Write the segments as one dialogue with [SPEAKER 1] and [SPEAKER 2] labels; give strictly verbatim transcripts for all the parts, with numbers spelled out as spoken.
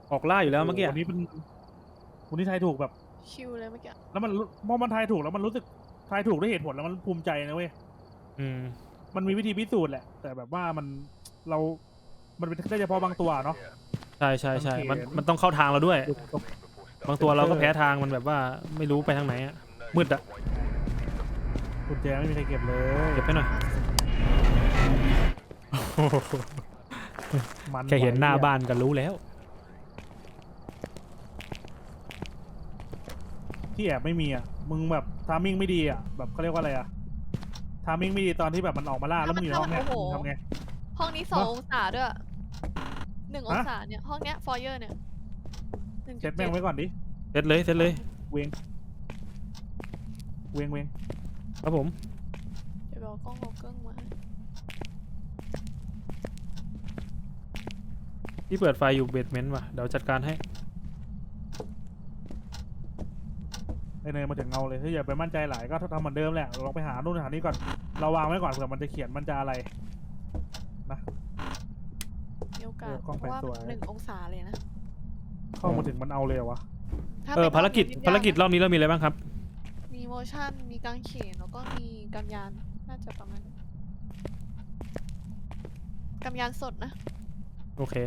[SPEAKER 1] ออกล่าอยู่แล้วเมื่อกี้
[SPEAKER 2] วันนี้เป็นวันนี้ทายถูกแบบ
[SPEAKER 3] ชิวเลยเมื่อกี้
[SPEAKER 2] แล้วมันมองมันทายถูกแล้วมันรู้สึกทายถูกด้วยเหตุผลแล้วมันภูมิใจนะเว้ย
[SPEAKER 1] อืม
[SPEAKER 2] มันมีวิธีพิสูจน์แหละ แต่แบบว่ามันเรา มันเป็นได้เฉพาะบางตัวเนาะ
[SPEAKER 1] ใช่ใช่ใช่
[SPEAKER 2] สังเกต
[SPEAKER 1] มันมันต้องเข้าทางเราด้วย บางตัวเราก็แพ้ทางมันแบบว่าไม่รู้ไปทางไหนอะมืดอะ
[SPEAKER 2] กุญแจไม่มีใครเก็บเลย
[SPEAKER 1] เก็บให้หน่อย
[SPEAKER 2] มัน
[SPEAKER 1] แค่เห็นหน้าบ้านก็รู้แล้ว
[SPEAKER 2] ที่แอบไม่มีอ่ะมึงแบบทามมิ่งไม่ดีอ่ะแบบเขาเรียกว่าอะไรอ่ะทามมิ่งไม่ดีตอนที่แบบมันออกมาล่าแล้วมึงอยู่ในห้องเนี้ยมึงทำไง
[SPEAKER 3] ห้องนี้สอง
[SPEAKER 2] เนอะ
[SPEAKER 3] องศาด้วยหนึ่งอง
[SPEAKER 2] ฮะ
[SPEAKER 3] ศาเนี่ยห้องเนี้ยฟอยเยอร์เนี่ยหนึ่ง
[SPEAKER 2] เซ็ตแม่งไว้ก่อนดิ
[SPEAKER 1] เซตเลยเซตเลย
[SPEAKER 2] เวงเวงเวง
[SPEAKER 1] ครับผม
[SPEAKER 3] เดี๋ยวเอากล้องเอาเครื่องมา
[SPEAKER 1] ที่เปิดไฟอยู่เบสเมนต์ว่ะเดี๋ยวจัดการให้
[SPEAKER 2] ไอเนยมาถึงเงาเลยเฮ้ยอย่าไปมั่นใจหลายก็ทำเหมือนเดิมแหละลองไปหานู่นหานี่ก่อนเราวางไว้ก่อนเผื่อมันจะเขียนมันจะอะไรนะ
[SPEAKER 3] มีโอกาส
[SPEAKER 2] เออกล้อง
[SPEAKER 3] เพราะว่า
[SPEAKER 2] แปดสวย
[SPEAKER 3] หนึ่งองศาเลยนะ
[SPEAKER 2] เข้ามาถึงมันเอาเลยเหรอวะ
[SPEAKER 3] ถ้
[SPEAKER 1] เออ
[SPEAKER 3] ป็น
[SPEAKER 1] ภารกิจ
[SPEAKER 3] ห้อง
[SPEAKER 1] ภารกิจ
[SPEAKER 3] ยก
[SPEAKER 1] รอบนี้เรามีอะไรบ้างครับ
[SPEAKER 3] มีโมชั่นมีกางเขนแล้วก็มีกำยานน่าจะประมาณนั้นกำยานสดนะ
[SPEAKER 1] โอเค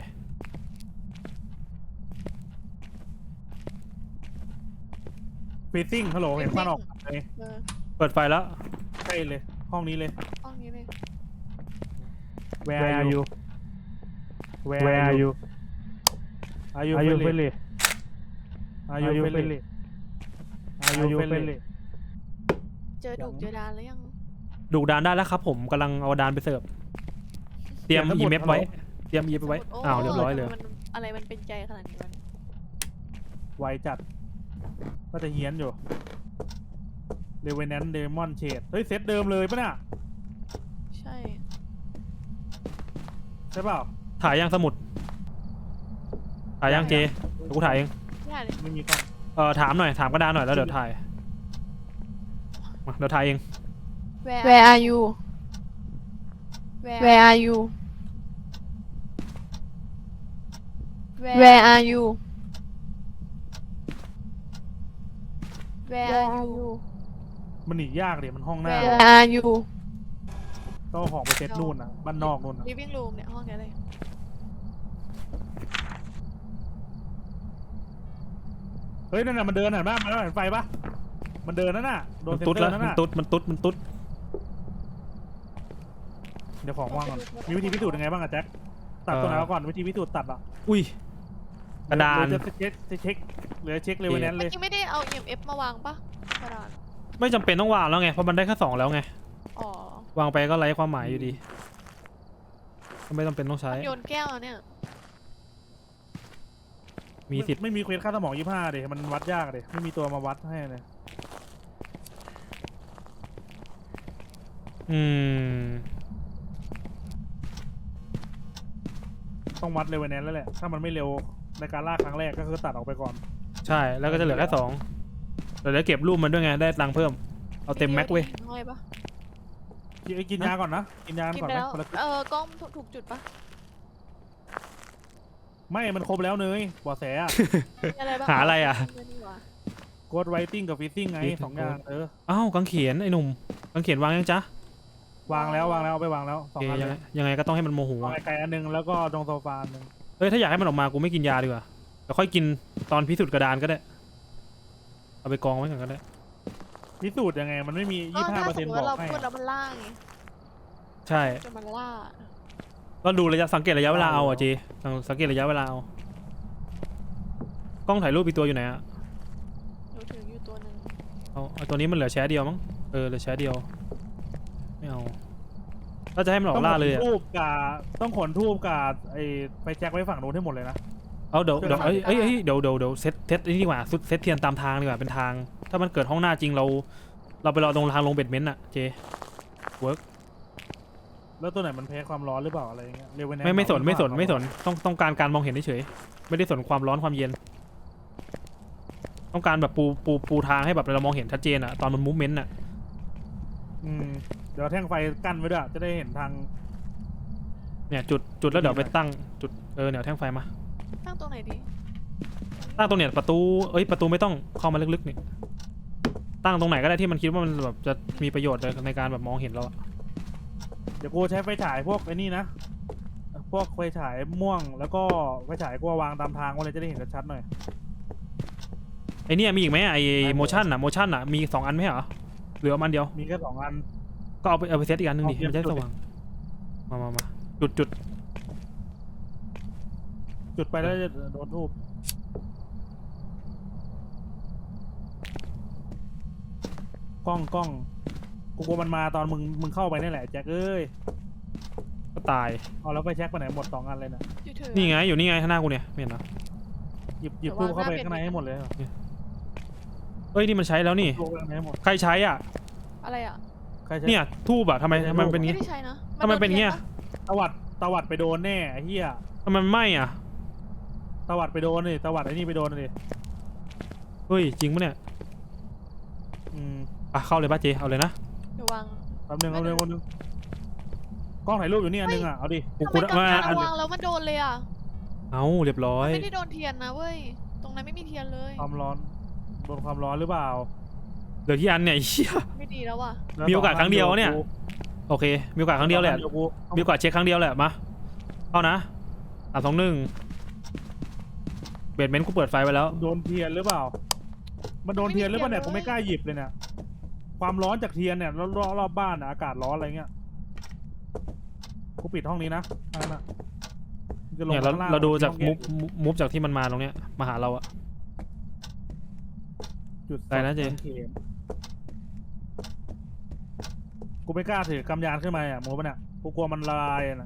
[SPEAKER 2] ฟีซิ่งฮัลโหลเห็นควันออกเลย
[SPEAKER 3] เออ
[SPEAKER 1] เปิดไฟแล้ว
[SPEAKER 2] ใช่เลย ห้องนี้เลย
[SPEAKER 3] ห้องนี้เลย
[SPEAKER 2] Where are you Where are you Are you friendly Are you friendly Are you friendly
[SPEAKER 3] เจอดุกเจอดานแล้วยัง
[SPEAKER 1] ดูดานได้แล้วครับผมกำลังเอาดานไปเสิร์ฟเตรียม
[SPEAKER 2] เตรียมทั้งหม
[SPEAKER 1] อี
[SPEAKER 2] ด
[SPEAKER 1] เมฟ
[SPEAKER 2] ฮัลโหล
[SPEAKER 1] ไว้เตรียมอีเมฟไว้
[SPEAKER 3] โอ้
[SPEAKER 1] อ้าวเรียบร้อยเลย
[SPEAKER 3] มันอะไรมันเป็นใจขนาดนี้วะเนี่ย
[SPEAKER 2] ไวจัดก็จะเฮี้ยนอยู่เรเวนแนนเดมอนเชดเฮ้ยเซตเดิมเลยปะเนี่ย
[SPEAKER 3] ใช่
[SPEAKER 2] ใช่เปล่า
[SPEAKER 1] ถ่ายยังสมุดถ่ายยังเจเดี๋ยวกูถ่ายเอง
[SPEAKER 3] ไม่ได้เลย
[SPEAKER 2] ไม่มีกล้อง
[SPEAKER 1] เออถามหน่อยถามกระดานหน่อยแล้วเดี๋ยวถ่ายมาเดี๋ยวถ่ายเอง
[SPEAKER 3] Where are you Where are you Where are you Where are you
[SPEAKER 2] มันหนียากเลยมันห้องหน้า
[SPEAKER 3] Where are you
[SPEAKER 2] ต้องเอาของไปเซตนู่นอ่ะบ้านนอกนู่นอ่ะ
[SPEAKER 3] living room เนี่ยห้องเนี้ยเลย
[SPEAKER 2] เฮ้ยนั่นน่ะมันเดินเห็นปะมันเห็นไฟปะมันเดินนั่นน่ะโดน
[SPEAKER 1] มัน
[SPEAKER 2] เซน
[SPEAKER 1] ตุ๊ด
[SPEAKER 2] เตอ
[SPEAKER 1] แล้ว
[SPEAKER 2] ร์นั่น
[SPEAKER 1] มัน
[SPEAKER 2] น่ะ
[SPEAKER 1] ตุ๊ดมันตุ๊ดมันตุ๊ด
[SPEAKER 2] เดี๋ยวของว่างก่อนมีวิธีพิสูจน์ยังไงบ้างอะแจ็คตัดตัวไหนมาก่อนวิธีพิสูจน์ตัดอ่ะ
[SPEAKER 1] อุ้ยกระดาน
[SPEAKER 2] หรือจะเช็คจะเช็คหรือเช็คเรเวนแนนเล
[SPEAKER 3] เมื่อย กี้ไม่ได้เอา อี เอ็ม เอฟ มาวางปะกระดาน
[SPEAKER 1] ไม่จำเป็นต้องวางแล้วไงเพราะมันได้แค่สองแล้วไง
[SPEAKER 3] อ๋อ
[SPEAKER 1] วางไปก็ไร้ความหมายอยู่ดีก็ไม่จำเป็นต้องใช้
[SPEAKER 3] โยนแก้วอะเนี่ย
[SPEAKER 1] มีสิทธิ์
[SPEAKER 2] ไม่มีเควสค่าสมองยี่ห้าเดี๋ยมันวัดยากเลยไม่มีตัวมาวัดให้เลย
[SPEAKER 1] อืม
[SPEAKER 2] ต้องวัดเรเวนแนนแล้วแหละถ้ามันไม่เร็วในการล่าครั้งแรกก็คือตัดออกไปก่อน
[SPEAKER 1] ใช่แล้วก็จะเหลือแค่สองเดี๋ยวจะเก็บรูปมันด้วยไงได้ตังค์เพิ่มเอาเต็มแม็กเว้ย
[SPEAKER 3] ห้อยปะ
[SPEAKER 2] กินกินยาก่อนนะกินยา
[SPEAKER 3] กิน
[SPEAKER 2] ก่อน
[SPEAKER 3] ไป
[SPEAKER 2] ไหม
[SPEAKER 3] แล้ว
[SPEAKER 2] คนละ
[SPEAKER 3] เออกล้องถูกจุดปะ
[SPEAKER 2] ไม่มันครบแล้วเนยบอแสอะ
[SPEAKER 3] มีอะไรบ้าง
[SPEAKER 1] หาอะไรอ่ะ
[SPEAKER 2] กดไวติ้งกับฟิซซิ่งไงสองอย่างเออ
[SPEAKER 1] อ้าวกางเขนไอ้หนุ่มกางเขนวางยังจ๊ะ
[SPEAKER 2] วางแล้ววางแล้วเอาไปวางแล้วส
[SPEAKER 1] โอ
[SPEAKER 2] อง
[SPEAKER 1] เค
[SPEAKER 2] อัน
[SPEAKER 1] ยัง
[SPEAKER 2] เล
[SPEAKER 1] ไง
[SPEAKER 2] ย
[SPEAKER 1] ยังไงก็ต้องให้มันโมโห
[SPEAKER 2] วาง
[SPEAKER 1] อะ
[SPEAKER 2] ไกลๆอันหนึงแล้วก็ตรงโซฟาอันหนึง
[SPEAKER 1] เอ้ยถ้าอยากให้มันออกมากูไม่กินยาดีกว่าเดี๋ยวค่อยกินตอนพิสูจน์กระดานก็ได้เอาไปกองไว้ก่อนก็ได้
[SPEAKER 2] พิสูจน์ยังไงมันไม่มี
[SPEAKER 3] ก็
[SPEAKER 2] ยี่ห้า
[SPEAKER 3] ถ้า
[SPEAKER 2] เปอร์
[SPEAKER 3] ส
[SPEAKER 2] เซ็
[SPEAKER 3] ม
[SPEAKER 2] น
[SPEAKER 3] ม
[SPEAKER 2] ต์
[SPEAKER 3] ติ
[SPEAKER 2] บอ
[SPEAKER 3] ว่าเรา
[SPEAKER 2] กให้
[SPEAKER 3] พูดแล้วมันล่าไง
[SPEAKER 1] ใช่
[SPEAKER 3] จะมันล่า
[SPEAKER 1] ก็ดูระยะสังเกตระยะเวลาเอาอ่ะจีสังเกตระยะเวลาเอากล้องถ่ายรูปอีกตัวอยู่ไหนอะ
[SPEAKER 3] หนูถืออยู่ตัวหนึ่ง
[SPEAKER 1] เอาเอาตัวนี้มันเหลือแชร์เดียวมั้งเออเหลือแชร์เดียวไม่เอาถ้าจะให้มันออกล่าเลย
[SPEAKER 2] ต้
[SPEAKER 1] อะ
[SPEAKER 2] องขนทูบกับต้องขนทูบกับไอ้ไฟแจ็คไว้ฝั่งโน้นให้หมดเลยนะ
[SPEAKER 1] เอาเดี๋ยวเดี๋ยวเอ้ยเอ้ยเอ้ยเดี๋ยวเดี๋ยวเดี๋ยวเซตเซตนี่ดีกว่าสุดเซตเทียนตามทางดีกว่าเป็นทาง ถ้ามันเกิดห้องหน้าจริงเรา เราไปรอตรงทางลงเบ็ดเมนต์อะเจเวิร์ก
[SPEAKER 2] แล้วตัวไหนมันแพ้ความร้อนหรือเปล่าอะไรอย่างเงี้ยเรเวนแนน
[SPEAKER 1] ไม่ไม่สนไม่สนไม่สนต้องต้องการการมองเห็นเฉยๆไม่ได้สนความร้อนความเย็น ต้องการแบบปูปูปูทางให้แบบเรามองเห็นชัดเจนอะตอนมันมูฟเมนต์อะ
[SPEAKER 2] อืมเดี๋ยวแท่งไฟกั้นไว้ด้วยจะได้เห็นทาง
[SPEAKER 1] เนี่ยจุดจุดแล้วเดี๋ยวไปตั้งจุดเออเนี่ยแท่งไฟมา
[SPEAKER 3] ตั้งตรงไหนดี
[SPEAKER 1] ตั้งตรงเนี้ยประตูเอ้ยประตูไม่ต้องเข้ามาลึกๆนี่ตั้งตรงไหนก็ได้ที่มันคิดว่ามันแบบจะมีประโยชน์ในการแบบมองเห็นเราอะ
[SPEAKER 2] เดี๋ยวกูใช้ไฟฉายพวกไอ้นี่นะพวกไฟฉายม่วงแล้วก็ไฟฉายกูวางตามทางไว้เลยจะได้เห็นชัดๆหน่อย
[SPEAKER 1] ไอเนี่ยมีอีกไหมไอโมชั่นอะโมชั่นอะมีสองอันไหมเหรอเหลืออันเดียว
[SPEAKER 2] มีแค่สองอัน
[SPEAKER 1] ก็เอาไปเอาไปเซตอีกอันหนึงดิ
[SPEAKER 2] เอาเทียบ
[SPEAKER 1] มันจะได้
[SPEAKER 2] จุ
[SPEAKER 1] ส
[SPEAKER 2] ดดิ
[SPEAKER 1] ว่างมามามาจุดจุด
[SPEAKER 2] จุดไปแล้วจะโดนทูบกล้องกล้องกูกลัวมันมาตอนมึงมึงเข้าไปนี่แหละแจ็คเอ้ย
[SPEAKER 1] ก็ตาย
[SPEAKER 2] เอาแล้วไปแช็คไปไหนหมดสองอันเลยนะ
[SPEAKER 3] อยู่เถอะ
[SPEAKER 1] นี่ไงอยู่นี่ไงข้างหน้ากูเนี่ยไม่เห็นเหรอ
[SPEAKER 2] หยิบหยิบทูบเข้าไปข้างในให้หมดเลยเหรอ
[SPEAKER 1] เอ้ยนี่มันใช้แล้วนี่
[SPEAKER 2] ทูบข้างในให้หมด
[SPEAKER 1] ใครใช้อ่ะ
[SPEAKER 3] อะไรอ่ะ
[SPEAKER 2] ใครใช้
[SPEAKER 1] เนี่ยทูบอ่ะทำไมทำไมมันเป็น
[SPEAKER 3] ไม่
[SPEAKER 1] งี้
[SPEAKER 3] ได้ใช้นะ
[SPEAKER 1] ทำไมเป็นเงี้ย
[SPEAKER 2] ตวัดตวัดไปโดนแน่ไอ้เหี้ย
[SPEAKER 1] ทำไมมันไหม้อ่ะ
[SPEAKER 2] ตวัดไปโดนเลยตวัดไอ้นี่ไปโดนเลย
[SPEAKER 1] เฮ้ยจริงปะเนี่ย
[SPEAKER 2] อืม
[SPEAKER 1] อ่ะเข้าเลยป้าเจเอาเลยนะ
[SPEAKER 3] เดี๋ยววาง
[SPEAKER 2] แป๊บนึงเอาเร็วคนนึงกล้องถ่ายรูปอยู่นี่อันนึงอ่ะเอาดิ
[SPEAKER 1] กู
[SPEAKER 3] ทำ
[SPEAKER 1] กู
[SPEAKER 3] ไมกำ
[SPEAKER 1] มา
[SPEAKER 3] ลัง
[SPEAKER 1] อัน
[SPEAKER 3] วางแล้วมันโดนเลยอ่ะ
[SPEAKER 1] เอาเรียบร้อย
[SPEAKER 3] ไม่ได้โดนเทียนนะเว้ยตรงนั้นไม่มีเทียนเลย
[SPEAKER 2] ความร้อนโดนความร้อนหรือเปล่า
[SPEAKER 1] เหลือที่อันเนี่ยไอ้เหี้ย
[SPEAKER 3] ไม่ดีแล้วว่ะ
[SPEAKER 2] แล้ว
[SPEAKER 1] มีโอกาสครั้งเดียวเนี่ย
[SPEAKER 2] กู
[SPEAKER 1] โอเคมีโอกาสครั้งเดียวแหละ
[SPEAKER 2] ดี๋กู
[SPEAKER 1] มีโอกาสเช็คครั้งเดียวแหละมาเข้านะสามสองหนึ่งเบดเมนต์กูเปิดไฟไว้แล้ว
[SPEAKER 2] โดนเทียนหรือเปล่า มันโดนเทียนหรือเปล่าเนี่ยกูไม่กล้าหยิบเลยเนี่ยความร้อนจากเทียนเนี่ยรอบรอบบ้านอะอากาศร้อนอะไรเงี้ยกูปิดห้องนี้นะนั่นน่ะมึงจะลง
[SPEAKER 1] เนี่ยเรา
[SPEAKER 2] ข้งล่ง
[SPEAKER 1] เราดูจาก
[SPEAKER 2] ห้
[SPEAKER 1] มุ
[SPEAKER 2] อง
[SPEAKER 1] ฟ
[SPEAKER 2] เย็น
[SPEAKER 1] มุฟจากที่มันมาตรงเนี้ยมาหาเราอะ
[SPEAKER 2] จุด
[SPEAKER 1] ได้นะเจ
[SPEAKER 2] สองข็มกูไม่กล้าถือกำยานขึ้นมาอ่ะมูปะเนี่ยกูกลัวมันละลายอะนะ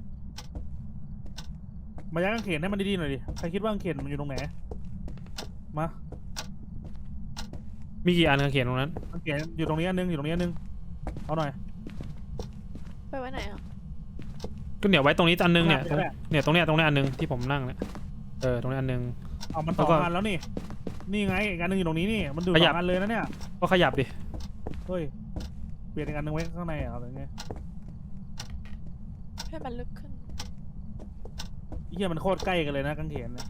[SPEAKER 2] มายัดกางเขนให้มันดีๆหน่อยดิใครคิดว่ากางเขนมันอยู่ตรงไหนมา
[SPEAKER 1] มีกี่อันกางเขนตรงนั้น
[SPEAKER 2] กางเขนอยู่ตรงนี้อันนึงอยู่ตรงนี้อันนึงเอาหน่อย
[SPEAKER 3] ไปไว้ไหนอ่ะ
[SPEAKER 1] ก็เนี่ยไว้ตรงนี้อันนึงเนี่ยตรง
[SPEAKER 2] แหละ
[SPEAKER 1] เนี่ยตรงเนี้ยตรงเนี้ยอันนึงที่ผมนั่งเนี่ยเออตรงเนี้ยอันนึง
[SPEAKER 2] เอามันส
[SPEAKER 1] แล้
[SPEAKER 2] อ
[SPEAKER 1] ว
[SPEAKER 2] ง
[SPEAKER 1] ก็
[SPEAKER 2] อันแล้วนี่นี่ไงอีกอันนึงอยู่ตรงนี้นี่มันดูด
[SPEAKER 1] ข
[SPEAKER 2] ส
[SPEAKER 1] ยั
[SPEAKER 2] อบ งอันเลยนะเนี่ย
[SPEAKER 1] ก็ขยับดิ
[SPEAKER 2] เฮ้ยเปลี่ยนอีกอันนึงไว้ข้างในอ่ะอะไรเงี้ย
[SPEAKER 3] ให้มันลึกขึ้น
[SPEAKER 2] ไอ้เหี้ยมันโคตรใกล้กันเลยนะกางเขนเนี่ย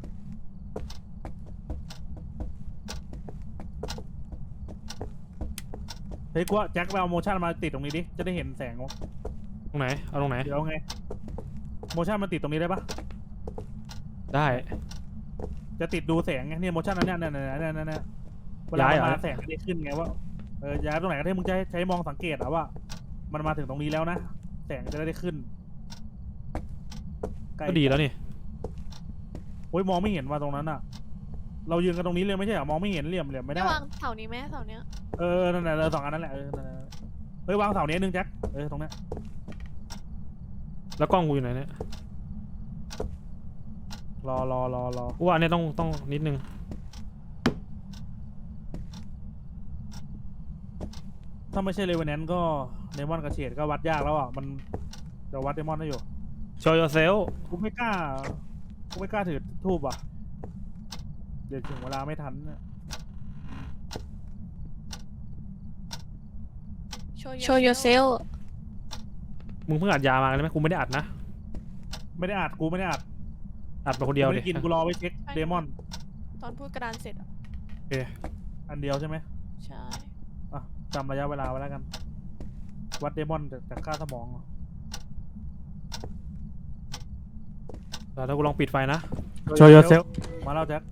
[SPEAKER 2] เฮ้ยกูว่าแจ็คไปเอาโมชั่นมาติดตรงนี้ดิจะได้เห็นแสงวะ
[SPEAKER 1] ตรงไหนเอาตรงไหน
[SPEAKER 2] เดี๋ยวไงโมชั่นมันติดตรงนี้ได้ปะ
[SPEAKER 1] ได้
[SPEAKER 2] จะติดดูแสงไงเนี่ยโมชั่นนั้นเนี่ยเนี่ยเนี่ยเนี่ยเนี่ยเวลา
[SPEAKER 1] ย้าย
[SPEAKER 2] มัน
[SPEAKER 1] เหรอ
[SPEAKER 2] มาแสงจะได้ขึ้นไงว่าเออย้ายตรงไหนก็ได้มึงจะใช้มองสังเกตอะว่า มันมาถึงตรงนี้แล้วนะแสงจะได้ขึ้นใล้
[SPEAKER 1] ก็ดีแล้วนี่
[SPEAKER 2] โอ้ยมองไม่เห็นว่าตรงนั้นอะเรายืนกันตรงนี้เลยไม่ใช่เหรอมองไม่เห็นเหลี่ยมเหลี่ยมไม่
[SPEAKER 3] ไม่
[SPEAKER 2] ได้
[SPEAKER 3] วางเสานี้ไหมเสาเนี้ย
[SPEAKER 2] เออนั่นแหละเออสองอันนั้นแหละเออนั่นแหละเฮ้ยวางเสาเนี้ยหนึงแจ็คเออตรงเนี้ย
[SPEAKER 1] แล้วกล้องกูอยู่ไหนเนี่ย
[SPEAKER 2] รอรอรอรอ
[SPEAKER 1] กูว่าอันเนี้ยต้องต้องนิดนึง
[SPEAKER 2] ถ้าไม่ใช่เลเวนแนนก็เดมอนกับเฉดก็วัดยากแล้วอ่ะมันเดี๋ยววัดเดมอนได้อยู่
[SPEAKER 1] show yourself
[SPEAKER 2] กูไม่กล้ากูไม่กล้าถือทูบอ่ะเดี๋ยวถึงเวลาไม่ทันเนี่ย
[SPEAKER 3] โชว์ yourself
[SPEAKER 1] มึงเพิ่งอัดยามากันไหมกูไม่ได้อัดนะ
[SPEAKER 2] ไม่ได้อัดกูไม่ได้อัด
[SPEAKER 1] อัดไปคนเดียว
[SPEAKER 2] ไม่
[SPEAKER 1] ดิ
[SPEAKER 2] ได้กินกูรอไว้เช็คเดมอน
[SPEAKER 3] ตอนพูดกระดานเสร็จอ่ะ
[SPEAKER 2] อันเดียวใช่ไหม
[SPEAKER 3] ใช่
[SPEAKER 2] อ่ะจำระยะเวลาไว้แล้วกัน วัดเดมอนจากจากค่าสมองเหรอ
[SPEAKER 1] แล้วกูลองปิดไฟนะ
[SPEAKER 2] Show yourself มาแล้วแจ็ค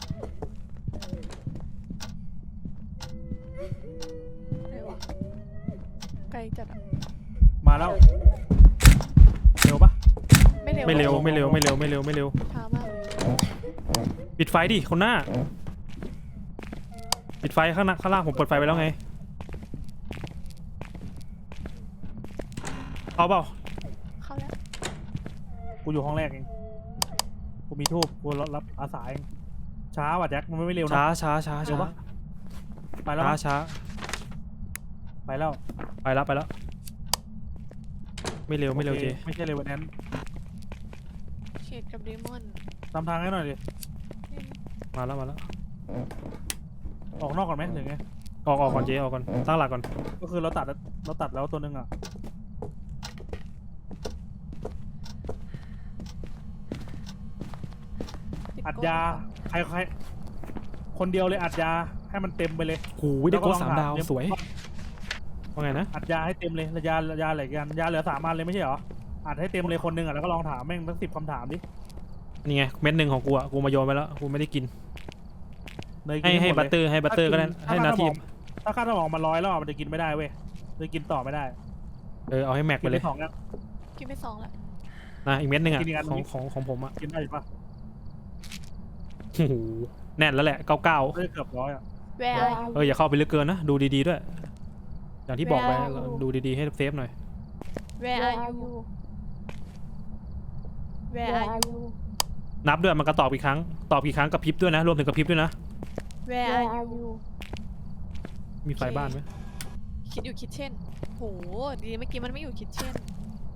[SPEAKER 3] เร็วอะไกลจัดอ่ะ
[SPEAKER 2] มาแล้วเร็วปะ
[SPEAKER 3] ไม่เร็ว
[SPEAKER 1] ไม่เร็วไม่เร็วไม่เร็วไม่เร็วไม่เร็ว
[SPEAKER 3] ช้ามากเลย
[SPEAKER 1] ปิดไฟดิคนหน้า ปิดไฟข้างหน้าข้างล่างผมเปิดไฟไปแล้วไงเอาเปล่า
[SPEAKER 3] เข้าแล้ว
[SPEAKER 2] กูอยู่ห้องแรกเองกูมีทูบกูรับรับอาสาเองช้าว่ะแจ็คมันไม่เร็วนะ
[SPEAKER 1] ช้าช้าช้า
[SPEAKER 2] เร็ว
[SPEAKER 1] ช้า
[SPEAKER 2] ปะ ไปแล้ว
[SPEAKER 1] ช้า
[SPEAKER 2] มั้ย
[SPEAKER 1] ช้า
[SPEAKER 2] ไปแล้ว
[SPEAKER 1] ไปแล้วไปแล้วไม่เร็วไม่เร็ว
[SPEAKER 2] โอค
[SPEAKER 1] เจ
[SPEAKER 2] ไม่ใช่เร็ววันนั้น
[SPEAKER 3] เชดกับเดมอน
[SPEAKER 2] ตามทางให้หน่อยดิ
[SPEAKER 1] มาแล้วมาแล้ว
[SPEAKER 2] ออกนอกก่อนไหมหรือไง
[SPEAKER 1] ออกออกก่อนเจออกก่อนตั้งหลักก่อน
[SPEAKER 2] ก็คือเราตัดเราตัดแล้วตัวหนึงอ่ะ
[SPEAKER 3] ติ
[SPEAKER 2] อัด
[SPEAKER 3] ก้น
[SPEAKER 2] ยาใครใครคนเดียวเลยอัดยาให้มันเต็มไปเลย
[SPEAKER 1] โอ้ยได้โค้ดสามดาว
[SPEAKER 2] แล้ก็ลองถ
[SPEAKER 1] สวยว่าไงนะ
[SPEAKER 2] อัดยาให้เต็มเลยยายาอะไรกันยาเหลือสามอันเลยไม่ใช่เหรออัดให้เต็มเลยคนหนึ่งอ่ะแล้วก็ลองถามแม่งทั้งสิบคำถามดิ
[SPEAKER 1] นี่ไงเม็ดหนึ่งของกูอะกูมาโยนไปแล้วกูไม่ได้กิน
[SPEAKER 2] เนยกิน
[SPEAKER 1] ให้ให้
[SPEAKER 2] มด
[SPEAKER 1] บัต
[SPEAKER 2] ลย
[SPEAKER 1] เตอร์ให้บัตเตอร์ก็ได้ให้นาที
[SPEAKER 2] ถ้าค่าสมองมันร้อยแล้วอะมันจะกินไม่ได้เว้ยเลยกินต่อไม่ได้
[SPEAKER 1] เออเอาให้แม็กไป
[SPEAKER 2] กิน
[SPEAKER 1] เล
[SPEAKER 2] ไป
[SPEAKER 1] ย
[SPEAKER 2] สองแล้ว
[SPEAKER 3] กินไปสองละ
[SPEAKER 1] นะอีกเม็ดหนึ่งอะ
[SPEAKER 2] กินอีกอันหนึ่
[SPEAKER 1] ของ
[SPEAKER 2] ง
[SPEAKER 1] ของของผมอะ
[SPEAKER 2] กินได้หรือปะ
[SPEAKER 1] โอ้โหแน่นแล้วแหละเก้าเก้า
[SPEAKER 2] เลือดเกือบร้อยอ่ะ
[SPEAKER 3] แวร์
[SPEAKER 1] เอออย่าเข้าไปลึกเกินนะดูดีๆด้วย อย่างที่บอกไป
[SPEAKER 3] Where are you?
[SPEAKER 1] ดูดีๆให้เซฟหน่อย
[SPEAKER 3] แวร์อายูแวร์อายู
[SPEAKER 1] นับด้วยมันก็ตอบกี่ครั้งตอบกี่ครั้งกับพริบด้วยนะรวมถึงกับพริบด้วยนะ
[SPEAKER 3] แวร์อายู
[SPEAKER 1] มีไฟบ้านไหม
[SPEAKER 3] คิดอยู่คิดเช่นโหดีเมื่อกี้มันไม่อยู่คิดเช่น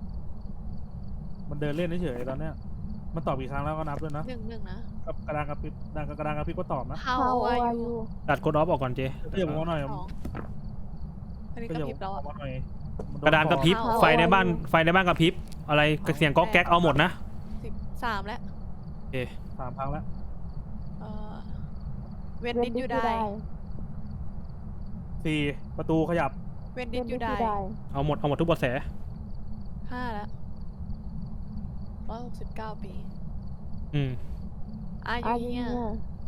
[SPEAKER 2] มันเดินเล่นเฉยๆตอนเนี้ยมันตอบกี่ครั้งแล้วก็นับด้วยนะ
[SPEAKER 3] หนึ่งหนึ่งนะ
[SPEAKER 2] กับกระดานกระพริบกระดานกระดานกระพริบก็ตอบนะ
[SPEAKER 3] How are you
[SPEAKER 1] ตัดกดออฟออกก่อนเจ
[SPEAKER 2] ก็อย่าบอกว่าหน่อย
[SPEAKER 3] สองอันนี้
[SPEAKER 2] ก็
[SPEAKER 3] ก
[SPEAKER 2] อย่า
[SPEAKER 3] ระพริบแล้ว
[SPEAKER 2] บ
[SPEAKER 3] อะ
[SPEAKER 2] อกว่าหน่อยมันโ
[SPEAKER 1] กระดานกระพริบ
[SPEAKER 3] How
[SPEAKER 1] ไฟในบ้านไฟในบ้านกระพริบอะไรเสียงก๊อกแก๊กเอาหมดนะ
[SPEAKER 3] สิบสามแล้ว
[SPEAKER 1] โอเค
[SPEAKER 2] สามครั้งแล้ว
[SPEAKER 3] เอ่อ When did you die
[SPEAKER 2] สี่ประตูขยับ
[SPEAKER 3] When did you die
[SPEAKER 1] เอาหมดเอาหมดทุกเบทแส
[SPEAKER 3] ห้าแล้วร้อยหกสิบเก้าปี
[SPEAKER 1] อืม
[SPEAKER 3] Are you here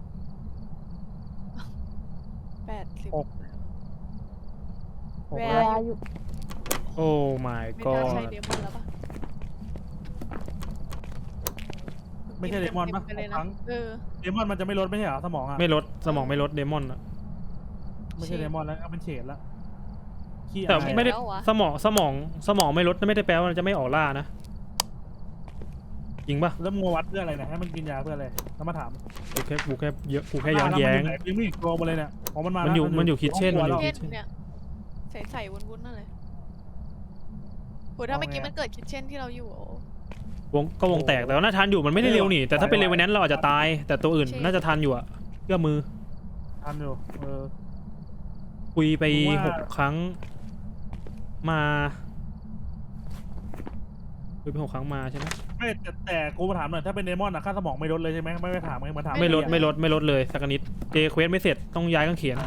[SPEAKER 3] แปดสิบ
[SPEAKER 2] หก หก
[SPEAKER 3] Where
[SPEAKER 2] แล้ว
[SPEAKER 3] are you
[SPEAKER 1] โอ้ my
[SPEAKER 3] ไม่น่า
[SPEAKER 1] god
[SPEAKER 3] ใช่เดมอนแล้วปะ
[SPEAKER 2] ไม่ใช่เดมอนปะ
[SPEAKER 3] ต็ๆไปเลย
[SPEAKER 2] ครั้
[SPEAKER 3] นะ
[SPEAKER 2] ง
[SPEAKER 3] เออ
[SPEAKER 2] เดมอนมันจะไม่ลดไม่ใช่เหรอสมองอ่ะ
[SPEAKER 1] ไม่ลดสมองไม่ลดเดมอนอะ
[SPEAKER 2] ไม่ใช่เดมอนแล้วเอาเป็นเฉดละขี้
[SPEAKER 1] แต่
[SPEAKER 2] อาย
[SPEAKER 1] ไม่ได้
[SPEAKER 3] แล้ววะ
[SPEAKER 1] สมองสมองสมองไม่ลดไม่ได้แปลว่ามันจะไม่ออกล่านะจริงปะ
[SPEAKER 2] แล้วมัววัดเพื่ออะไรเนี่ยให้มันกินยาเพื่ออะไรแล้วมาถาม
[SPEAKER 1] กูแค่กูแค่เยอะกูแค่ย้อนแย้ง
[SPEAKER 2] แล้วมันอยู่ไหนยังไม่เห็นตัวมาเลยเนี่ยอ๋อมันมา
[SPEAKER 1] มันอยู่
[SPEAKER 2] แล้ว
[SPEAKER 1] มันอยู่ kitchen
[SPEAKER 2] ห้งครัว
[SPEAKER 1] มันอยู่
[SPEAKER 2] แล้ว
[SPEAKER 3] เช่นเนี่ยใส่ใส่วุ้นๆนั่นเลยโหถ้าเมื่อกี้มันเกิดคิดเช่นที่เราอยู่โอ้
[SPEAKER 1] วงก็วงแตกแต่ว่าน่าทันอยู่มันไม่ได้เร็วนี่แต่ถ้าเป็นเร็วนั้นเราอาจจะตาย แต่ตัวอื่น
[SPEAKER 3] ใช่
[SPEAKER 1] น่าจะทันอยู่อะเชื่อมือ
[SPEAKER 2] ทันอยู่เออ
[SPEAKER 1] คุยไป
[SPEAKER 2] ผมว่า
[SPEAKER 1] หกครั้งมาคุยไปหกครั้งมาใช่ไหม
[SPEAKER 2] ไม่แต่แต่กูมาถามหน่อยถ้าเป็นเดมอนอะค่าสมองไม่ลดเลยใช่ไหมไม่ไปถามไงมาถาม
[SPEAKER 1] ไม่ลด
[SPEAKER 2] อ้
[SPEAKER 1] ไม่ลดไม่ลดเลยสักนิดเจเควสไม่เสร็จต้องย้ายกางเขน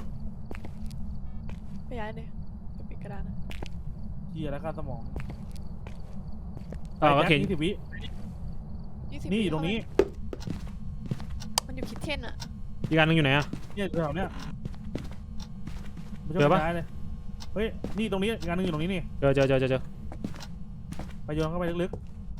[SPEAKER 3] ไปย้ายเลยจะปิดกระดานนะ
[SPEAKER 2] เหี้ยแล้วค่าสมอง
[SPEAKER 1] เออกางเขน
[SPEAKER 2] ยี่สิบวิ
[SPEAKER 3] ยี่สิบ
[SPEAKER 2] นี่อยู่ตรงนี้
[SPEAKER 3] มันอยู่คิดเช่นอะ
[SPEAKER 1] อีกอันหนึงอยู่ไหนอะ
[SPEAKER 2] เนี่ยแถวเนี้ยมันจะ
[SPEAKER 1] เจอปะ
[SPEAKER 2] ไม่ย้ายเลยเฮ้ยนี่ตรงนี้งานหนึงอยู่ตรงนี้นี่
[SPEAKER 1] เจอเจอเจอเจอเจอ
[SPEAKER 2] ไปโยนเข้าไปลึก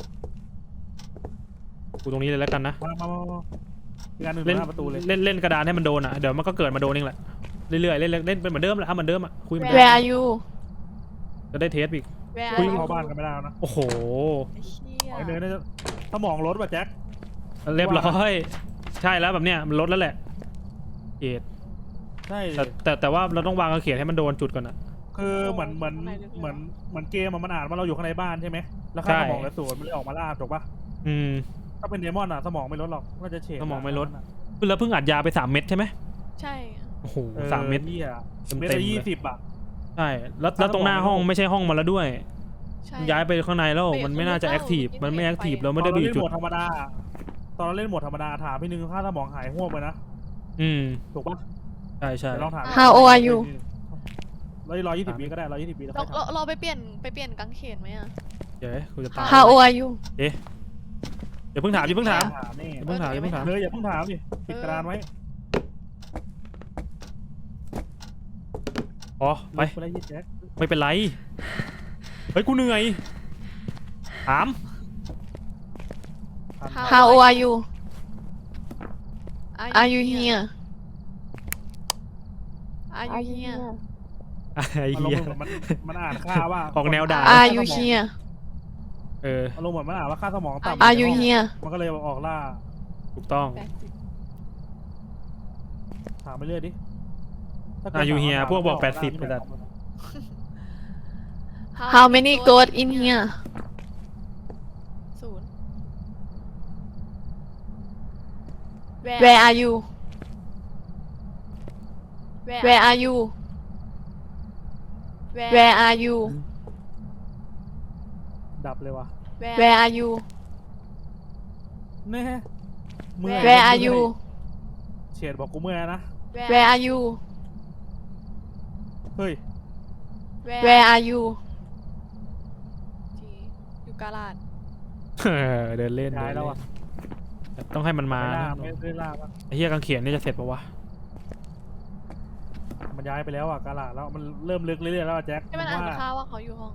[SPEAKER 1] กูตรงนี้เลยแล้วกันนะ
[SPEAKER 2] ๆมามามามาอีกงานหนึ่งอยู่
[SPEAKER 1] เล่น
[SPEAKER 2] หน้าประตูเลย
[SPEAKER 1] เล่นเล่นกระดานให้มันโดนอ่ะเดี๋ยวมันก็เกิดมาโดนเองแหละเรื่อยๆเล่นเล่นเล่นเป็นเหมือนเดิมแหละเอาเหมือนเดิมอ่ะคุยเหมือนเดิ
[SPEAKER 3] Where
[SPEAKER 1] ม
[SPEAKER 3] are you
[SPEAKER 1] จะได้เทสอีก
[SPEAKER 3] Where
[SPEAKER 2] คุย
[SPEAKER 3] are you
[SPEAKER 2] เข้าบ้านกันไม่ได้แล้วนะ
[SPEAKER 1] โอ้โห
[SPEAKER 3] ไอ้เชี่ย
[SPEAKER 2] ไอ้เนยน่าจะสมองลดว่ะแจ็ค
[SPEAKER 1] เรียบร้อยใช่แล้วแบบเนี้ยมันลดแล้วแหละเกต
[SPEAKER 2] ใช่
[SPEAKER 1] แต่แต่แต่ว่าเราต้องวางกางเขนให้มันโดนจุดก่อนอ่ะ
[SPEAKER 2] คือเหมือนเหมือนเหมือนเหมือนเกมอะมันอ่านว่าเราอยู่ข้างในบ้านใช่ไหมแล้วค่า
[SPEAKER 1] ใช่
[SPEAKER 2] สมองเหลือศูนย์มันเลยออกมาล่าถูกปะ
[SPEAKER 1] อืม
[SPEAKER 2] ถ้าเป็นเดมอนอะสมองไม่ลดหรอกน่าจะเฉด
[SPEAKER 1] สมองไม่ลด
[SPEAKER 2] ะ
[SPEAKER 1] แล้วเพิ่งอัดยาไปสามเม็ดใช่ไหม
[SPEAKER 3] ใช่
[SPEAKER 1] โอ้โห
[SPEAKER 2] ออ
[SPEAKER 1] สามเม็ด
[SPEAKER 2] เหี้ย
[SPEAKER 1] เต็มๆ
[SPEAKER 2] เม็ด
[SPEAKER 1] เลย
[SPEAKER 2] ละยี่สิบอะ
[SPEAKER 1] ใช่แล้วแล้วตรงหน้าห้องไม่ใช่ห้องมาแล้วด้วย
[SPEAKER 3] ใช่
[SPEAKER 1] ย้ายไปข้างในแล้วมันไม่น่าจะแอคทีฟมันไม่แอคทีฟเราไม่ได้ไปอยู่จุด
[SPEAKER 2] ตอนเราเล่นโหมดธรรมดาตอนเราเล่นโหมดธรรมดาถามพี่นึงค่าสมองหายห่วงไปนะ
[SPEAKER 1] อืม
[SPEAKER 2] ถูกปะ
[SPEAKER 1] ใช่ใช่
[SPEAKER 2] เดี๋ยวลองถาม
[SPEAKER 3] How old are you
[SPEAKER 2] ร้อยร้อยยี่สิบวิก็ได้ร้อยยี่สิบวิแล้ว
[SPEAKER 3] เรา
[SPEAKER 2] ค่อย
[SPEAKER 3] เรา
[SPEAKER 2] ถาม
[SPEAKER 3] เราไปเปลี่ยนไปเปลี่ยนกางเขนไหมอะ
[SPEAKER 1] เดี๋ยวกูจะตาย
[SPEAKER 3] How old are you
[SPEAKER 1] เดี๋ยวเพิ่งถามอย่าเพิ่งถาม
[SPEAKER 2] ถามนี่
[SPEAKER 1] อย่าเพิ่งถามอย่าเพิ่งถาม
[SPEAKER 2] เลยอย่าเพิ่งถามดิปิดกระดานไว้
[SPEAKER 1] อ๋อไป
[SPEAKER 2] ไปเลยยี่แจ็ค
[SPEAKER 1] ไม่เป็นไร เฮ้ย กูเหนื่อย ถาม
[SPEAKER 3] How old are you Are you here Are you here
[SPEAKER 1] ไอ้
[SPEAKER 2] อารม
[SPEAKER 1] เหี้ย
[SPEAKER 2] ณ์เหมือนมันมันอ่านค่าว่า
[SPEAKER 1] ออกแนวด่า
[SPEAKER 3] Are you here
[SPEAKER 1] เออ
[SPEAKER 2] อารมณ์เหมือนมันอ่านว่าค่าสมองต่ำ
[SPEAKER 3] Are you here
[SPEAKER 2] มันก็เลยออกล่า
[SPEAKER 1] ถูกต้อง
[SPEAKER 3] แปดสิบ
[SPEAKER 2] ถามไปเรื่อยดิถ้ากิด
[SPEAKER 1] Are you
[SPEAKER 2] ถาม
[SPEAKER 1] here
[SPEAKER 2] ถาม
[SPEAKER 1] พวกบอก
[SPEAKER 2] ถาม
[SPEAKER 1] แปดสิบ
[SPEAKER 2] ถาม
[SPEAKER 1] ไปแต่
[SPEAKER 3] How many goats in here ศูนย์ Where are you Where are you Where are you
[SPEAKER 2] ดับเลยว่ะ
[SPEAKER 3] Where are you
[SPEAKER 2] แน่เมื่อย
[SPEAKER 3] Where are you
[SPEAKER 2] เฉดบอกกูเมื่อยนะ
[SPEAKER 3] Where are you
[SPEAKER 2] เฮ้ย
[SPEAKER 3] Where are you จีอยู่กาลาด
[SPEAKER 1] เออเดินเล่น
[SPEAKER 2] ย้ายแล้วอ่ะ
[SPEAKER 1] เดินเล่นต้องให้มันมา
[SPEAKER 2] ไม่ล่า
[SPEAKER 1] นะ
[SPEAKER 2] ไม่ได้ล่าปะ
[SPEAKER 1] ไอ้เหี้ยกางเขนนี่จะเสร็จปะวะ
[SPEAKER 2] มันย้ายไปแล้วอ่ะกาลาดแล้วมันเริ่มลึกเรื่อยๆแล้วอะแจ็ค
[SPEAKER 3] ให้มันอ่านข่าวว่าเขาอยู่ห้อง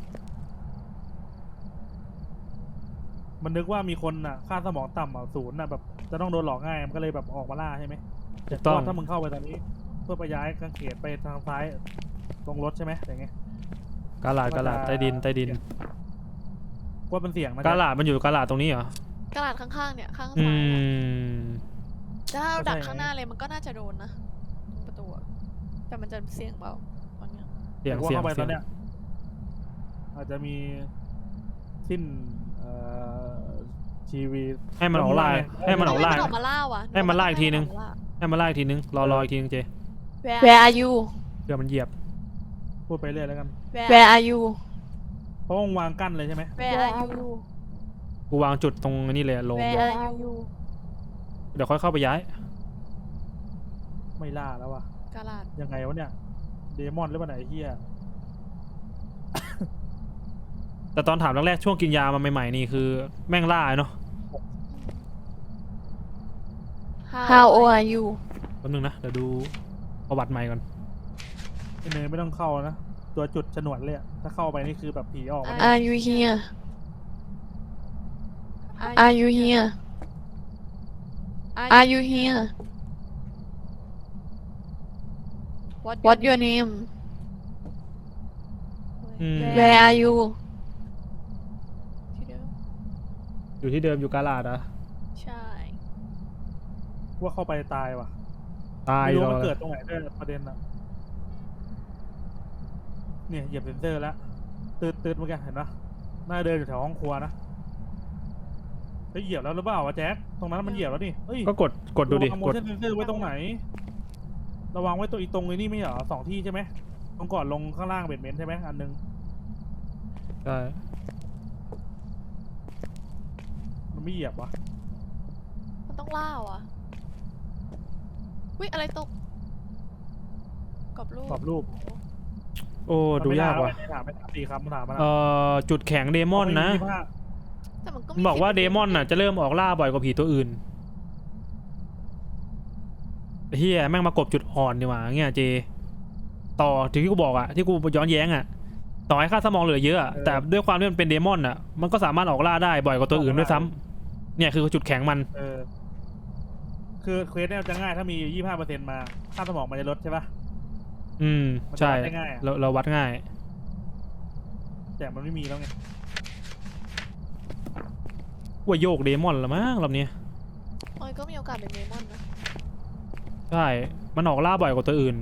[SPEAKER 2] มันนึกว่ามีคนอ่ะค่าสมองต่ำอ่ะศูนย์อ่ะแบบจะต้องโดนหลอกง่ายมันก็เลยแบบออกมาล่าใช่ไหม
[SPEAKER 1] ถูกต้อง
[SPEAKER 2] ถ้ามึงเข้าไปตอนนี้ เพื่อไปย้ายกางเขนไปทางซ้ายตรงรถใช่ไหมอย่างเงี้ย
[SPEAKER 1] กาลาดกาลาดใต้ดินใต้ดิน
[SPEAKER 2] ว่าเป็นเสียงนะ
[SPEAKER 1] กาลาดมันอยู่กาลาดตรงนี้เหรอ
[SPEAKER 3] กาลาดข้างๆเนี่ยข้าง
[SPEAKER 1] อื
[SPEAKER 3] ซ้ายอะ
[SPEAKER 1] ม
[SPEAKER 3] แต่ถ้าเราดักข้างหน้าเลยมันก็น่าจะโดนนะตรงประตูอะแต่มันจะเสี่ยงเบาตอนเนี้ย
[SPEAKER 1] เสียง
[SPEAKER 2] ว่า
[SPEAKER 1] เสียง
[SPEAKER 2] เข้าไปต
[SPEAKER 1] เสี
[SPEAKER 2] อย น
[SPEAKER 1] ง
[SPEAKER 2] เนี้ยอาจจะมีสิ้นเอ่อชีวี
[SPEAKER 1] ให้มันออกล่าให้มันออกล่า
[SPEAKER 3] ให้มันออกมาล่าว่ะ
[SPEAKER 1] ให้มันล่าอีกทีนึง
[SPEAKER 3] ให้มัออกมาล่า
[SPEAKER 1] ให้มันไล่อีกทีนึงรอรออีกทีนึงเจ
[SPEAKER 3] Where are you
[SPEAKER 1] เดี๋ยวมันเหยียบ
[SPEAKER 2] พูดไปเรื่อยแล้วกัน
[SPEAKER 3] Where are you
[SPEAKER 2] เพราะวงวางกั้นเลยใช่ไหม
[SPEAKER 3] Where are you
[SPEAKER 1] กูวางจุดตรงนี้เลยลง
[SPEAKER 3] Where are you
[SPEAKER 1] เดี๋ยวค่อยเข้าไปย้าย
[SPEAKER 2] ไม่ล่าแล้ววะ
[SPEAKER 3] กาลาด
[SPEAKER 2] ยังไงวะเนี่ยเดมอนหรือเปล่าไหนยไอ้เฮีย
[SPEAKER 1] แต่ตอนถามแรกๆช่วงกินยามาใหม่ๆนี่คือแม่งล่าเนาะ
[SPEAKER 3] How old are you
[SPEAKER 1] แป๊บนึงนะเดี๋ยวดูประวัติใหม่ก่อน
[SPEAKER 2] ไอ้เนยไม่ต้องเข้านะตัวจุดฉนวนเลยอะถ้าเข้าไปนี่คือแบบผีออกมาเลย
[SPEAKER 3] Are you here Are you here Are you here What your name
[SPEAKER 1] อืม
[SPEAKER 3] Where are you ที่เดิม
[SPEAKER 1] อยู่ที่เดิมอยู่กาลาดอะ
[SPEAKER 3] ใช่
[SPEAKER 2] ว่าเข้าไปตายว่ะ
[SPEAKER 1] ตาย
[SPEAKER 2] ไม่รู้
[SPEAKER 1] รอ
[SPEAKER 2] มันเกิดตรงไหนด้วยประเด็นอะเนี่ยเหยียบเซนเซอร์แล้วตืดตืดเมื่อกี้เห็นปะน่าเดินอยู่แถวห้องครัวนะเฮ้ยเหยียบแล้วหรือเปล่าวะแจ็คตรงนั้นมันเหยียบแล้วนี่เฮ้ย
[SPEAKER 1] ก็กดกดดูดิ
[SPEAKER 2] โม
[SPEAKER 1] กด
[SPEAKER 2] ชั่นเซนเซอร์ไว้ตรงไหนระวังไว้ตัวอีตรงไอ้นี่ไม่เหรอสองที่ใช่ไหมตรงก่อนลงข้างล่างเบดเมนต์ใช่ไหมอันนึง
[SPEAKER 1] ใช่
[SPEAKER 2] มันไม่เหยียบวะ
[SPEAKER 3] มันต้องล่าว่ะวิอะไรตกกรอบรูป
[SPEAKER 2] กรอบรูป
[SPEAKER 1] โอ้ดูยากว่ะ
[SPEAKER 2] ไม่ถามไม่ถามตีครับมันถามมา
[SPEAKER 1] เอ่อจุดแข็งเดมอนนะ
[SPEAKER 3] แต่มันก็
[SPEAKER 1] มันบอกว่าเดมอนน่ะจะเริ่มออกล่าบ่อยกว่าผีตัวอื่นเฮียแม่งมากบจุดอ่อนดีกว่าเงี้ยเจต่อถึงที่กูบอกอะที่กูย้อนแย้งอะต่อให้ค่าสมองเหลือเยอะอะแต่ด้วยความที่มันเป็นเดมอนอะมันก็สามารถออกล่าได้บ่อยกว่าตัวอื่นด้วยซ้ำเนี่ยคือจุดแข็งมัน
[SPEAKER 2] เออคือเควสเนี่ยจะง่ายถ้ามียี่ห้าเปอร์เซ็นต์มาค่าสมองมันจะลดใช่ปะ
[SPEAKER 1] อืม
[SPEAKER 2] มันจะ
[SPEAKER 1] ใช่
[SPEAKER 2] วัดได้ง่ายอะ
[SPEAKER 1] เราเราวัดง่าย
[SPEAKER 2] แต่มันไม่มีแล้วไง
[SPEAKER 1] ว่าโยกเดมอนละมั้งรอบนี้
[SPEAKER 3] โอ้ยก็มีโอกาสเป็นเดมอนนะ
[SPEAKER 1] ใช่มันออกล่าบ่อยกว่าตัวอื่น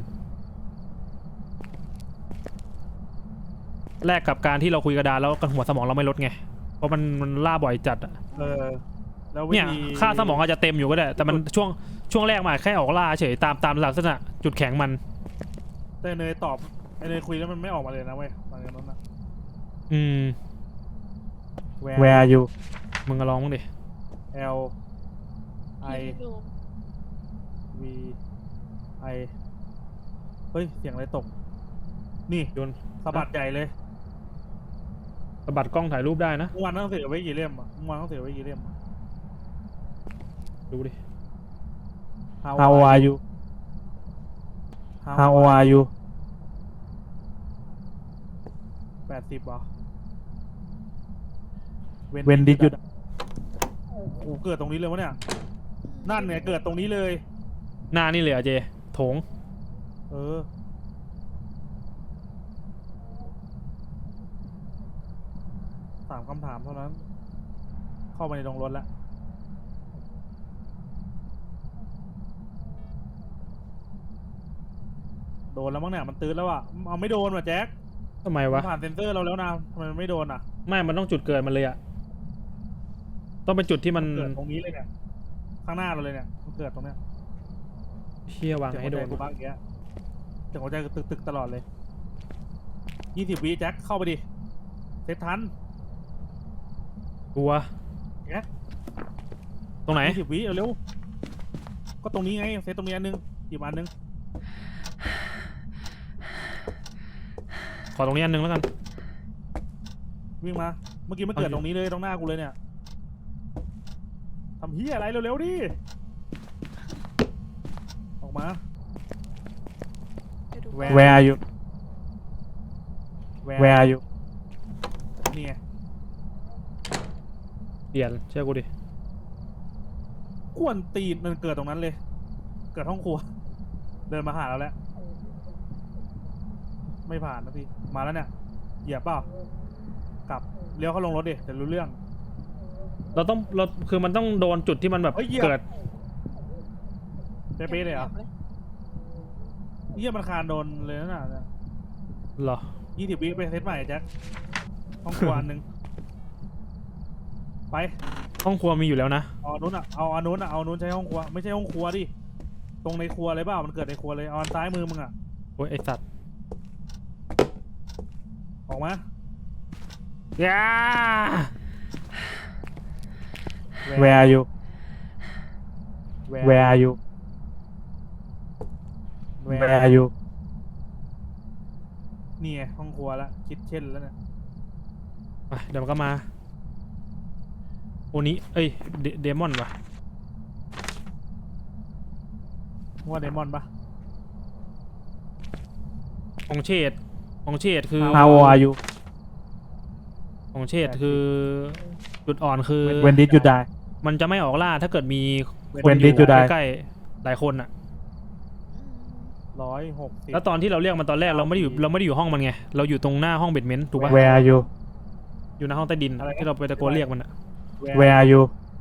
[SPEAKER 1] แลกกับการที่เราคุยกระดานแล้วกันหัวสมองเราไม่ลดไงเพราะมันมันล่าบ่อยจัดอะ
[SPEAKER 2] เออแล้ววิ
[SPEAKER 1] เนี่ย
[SPEAKER 2] ธี
[SPEAKER 1] ค่าสมองอาจจะเต็มอยู่ก็ได้แต่มันช่วงช่วงแรกมาแค่ออกล่าเฉยตามตามลักษณะจุดแข็งมัน
[SPEAKER 2] แต่เนยตอบไอเนยคุยแล้วมันไม่ออกมาเลยนะเว้ยตอนนั้นนะ
[SPEAKER 1] อืม
[SPEAKER 2] Where are you
[SPEAKER 1] มึงก็ลองมึงดิ
[SPEAKER 2] L I
[SPEAKER 3] ที่ดู
[SPEAKER 2] V I เฮ้ยเสียงอะไรตก นี่
[SPEAKER 1] โยน
[SPEAKER 2] สะบัดใหญ่เลย
[SPEAKER 1] สะบัดกล้องถ่ายรูปได้นะ
[SPEAKER 2] เมื่อวานต้องเสียไว้กี่เล่มอ่ะเมื่อวานต้องเสียไว้กี่เล่มอะ
[SPEAKER 1] ดูดิ
[SPEAKER 2] How are you How are you แปดสิบเหรอ When did you โอ้โหเกิดตรงนี้เลยวะเนี่ย นั่นเนี่ยเกิดตรงนี้เลย
[SPEAKER 1] หน้านี่เลยเหรอะเจโถง
[SPEAKER 2] เออ สามคำถามเท่านั้น เข้าไปในโรงรถแล้ว โดนแล้วมั้งเนี่ยมันตื้นแล้วอ่ะ เอาไม่โดนว่ะแจ็ค
[SPEAKER 1] ทำไม
[SPEAKER 2] มั
[SPEAKER 1] วะ
[SPEAKER 2] นผ่านเซ็นเซอร์เราแล้วนะทำไมมันไม่โดนอ่ะ
[SPEAKER 1] ไม่มันต้องจุดเกิดมันเลยอะต้องเป็นจุดที่มัน
[SPEAKER 2] เกิดตรงนี้เลยเนี่ย ข้างหน้าเราเลยเนี่ย มันเกิดตรงเนี้ย
[SPEAKER 1] เชี่ยวาง
[SPEAKER 2] เสียง
[SPEAKER 1] ให้
[SPEAKER 2] หัว
[SPEAKER 1] โด
[SPEAKER 2] ใจ
[SPEAKER 1] น
[SPEAKER 2] กูบ้างอย่างเงี้ยเสียงหัวใจตึกตึกๆตลอดเลย ยี่สิบวิแจ็คเข้าไปดิเซตทัน
[SPEAKER 1] กลัว
[SPEAKER 2] แจ็ค
[SPEAKER 1] ตรงไหน
[SPEAKER 2] ยี่สิบวิเร็วก็ตรงนี้ไงเซตตรงนี้อันนึงหยิบอันนึง
[SPEAKER 1] ขอตรงนี้อันนึงแล้วกัน
[SPEAKER 2] วิ่งมาเมื่อกี้มันเกิดตรงนี้เลยตรงหน้ากูเลยเนี่ยทำเฮียอะไรเร็วๆดิออกมา
[SPEAKER 3] เดี๋ยวดู
[SPEAKER 2] Where
[SPEAKER 4] Where are you Where are you
[SPEAKER 2] นี่ไง
[SPEAKER 1] เปลี่ยนเชื่อกูดิ
[SPEAKER 2] กวนตีนมันเกิดตรงนั้นเลย เกิดห้องครัว เดินมาหาเราแล้ว ไม่ผ่านนะพี่มาแล้วเนี่ยเหยียบเปล่ากลับเลี้ยวเข้าลงรถดิเดี๋ยวรู้เรื่อง
[SPEAKER 1] เราต้องเราคือมันต้องโดนจุดที่มันแบบ
[SPEAKER 2] เฮ้ยเหยียบ
[SPEAKER 1] เกิด
[SPEAKER 2] เป๊ะๆเลยเหรอเฮียมันคานโดนเลยนะน่ะ
[SPEAKER 1] เหรอ
[SPEAKER 2] ยี่สิบวิไปเซตใหม่แจ็คห้องครัวอันหนึ่งไป
[SPEAKER 1] ห้องครัวมีอยู่แล้วนะ
[SPEAKER 2] เอาอันนู้นอ่ะเอาอันนู้นอ่ะเอาอันนู้นใช้ห้องครัวไม่ใช่ห้องครัวดิตรงในครัวเลยเปล่ามันเกิดในครัวเลยเอาอันซ้ายมือมึงอ่ะ
[SPEAKER 1] โอ้ยไอสัตว์
[SPEAKER 2] ออกมา
[SPEAKER 1] ย่า
[SPEAKER 4] Where are you Where are you Where are you
[SPEAKER 2] นี่ไงห้องครัวละคิดเช่นแล้วเนี่ย
[SPEAKER 1] ไปเดี๋ยวมันก็มาโอนี้เอ้ยเดเดมอนวะ
[SPEAKER 2] ว่าเดมอนปะ
[SPEAKER 1] ของเชดของเชดคือ
[SPEAKER 4] How old are you
[SPEAKER 1] ของเชดคือจุดอ่อนคือ
[SPEAKER 4] When did you die
[SPEAKER 1] มันจะไม่ออกล่าถ้าเกิดมีค
[SPEAKER 4] When
[SPEAKER 1] นอ
[SPEAKER 4] did
[SPEAKER 1] ยู่
[SPEAKER 4] you die
[SPEAKER 1] ใกล้ๆหลายคนอ่ะ
[SPEAKER 2] ร้อยหกสิบ
[SPEAKER 1] แล้วตอนที่เราเรียกมันตอนแรกเราไม่ได้อยู่เราไม่ได้อยู่ห้องมันไงเราอยู่ตรงหน้าห้องเบดเมนต์ถูกปะ
[SPEAKER 4] Where are you
[SPEAKER 1] อยู่หน้าห้องใต้ดินที่เราไปตะโกนเรียกมันอ่ะ
[SPEAKER 4] Where are you